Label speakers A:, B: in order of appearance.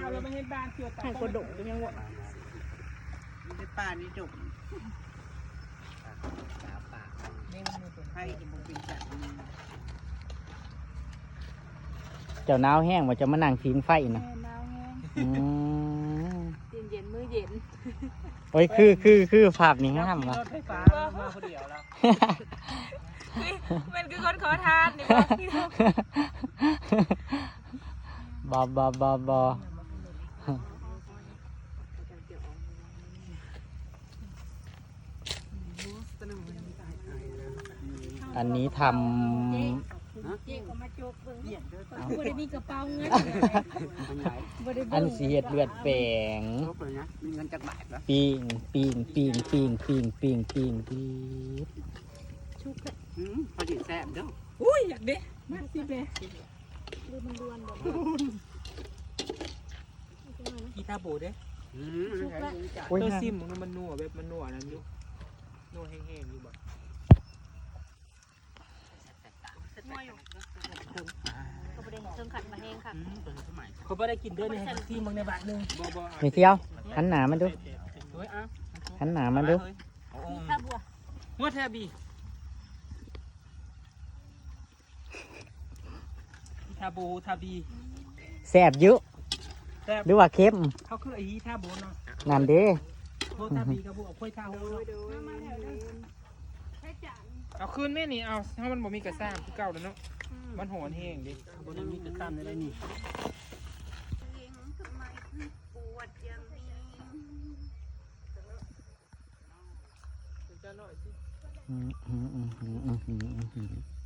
A: เราไม่ให้บ้านเกี่ยวกับ
B: ให้กระโดดยังวะ
C: ในป่านี่จุกสาป่าให้จะบุกเป็นจัด
D: เจ้าหนาวแห้งว่าจะมานั่งพิงไฟนะ
B: หนาวแห้ง
D: อืม
B: เย็นมื้อเย็น
D: โอ้ยคือภาพนี้งามว่ะ
A: รถไฟฟ้ามาคนเดียวแล้ว
B: มันคือคนขอทานนี่บ่
D: บออันนี้ท
B: เจ๊ก็มาโจกเบิ่งบ่ได้มีกระเป๋าเงินบ่ได้
D: ำอันสีเห็ดเลือดแปลง
C: ครบเลยนะมีเงินจากบาทแล้ว
D: ปิ้ง
B: ชุกเลย
C: พอดีแซ่บเด้อ
B: อุ้ยอยากเด้มาสิแม่ดูมันดวนบ่
A: กีตาร์โบเด้
D: โอ้ย
A: ตัว
D: ฮะ
A: ซิมมันนัวแบบมันนัวนั่นอยู่นัวแห้งๆอยู่บ่
B: นัวอยู่ก็บ่ได้เชิงขัดมาแห้งค่ะ
A: เขาไม่ได้กินด้วยในซิมบางในบาทนึงบ่
D: ไม่เที่ยวหันหนามาดู
A: เฮ้ยอ่ะ
D: หันหนามาดู
B: ถ้าบัว
A: หัวแทบีทาโบทาบี
D: แซ่บเยอะ
A: แต่
D: หรือว่าเค็ม
A: เขาคือไอ้ทาโบเนาะ
D: นั่นเด้
A: โบทาบีกับโบเอาค่อยทาโฮเอาคืนแม่นี่เอาถ้ามันบ่มีกระซ่ามคือเก่าแล้วเนาะมันหอนแห้งดิบ่ได้มีกระซ่ามได้นี่
D: อืม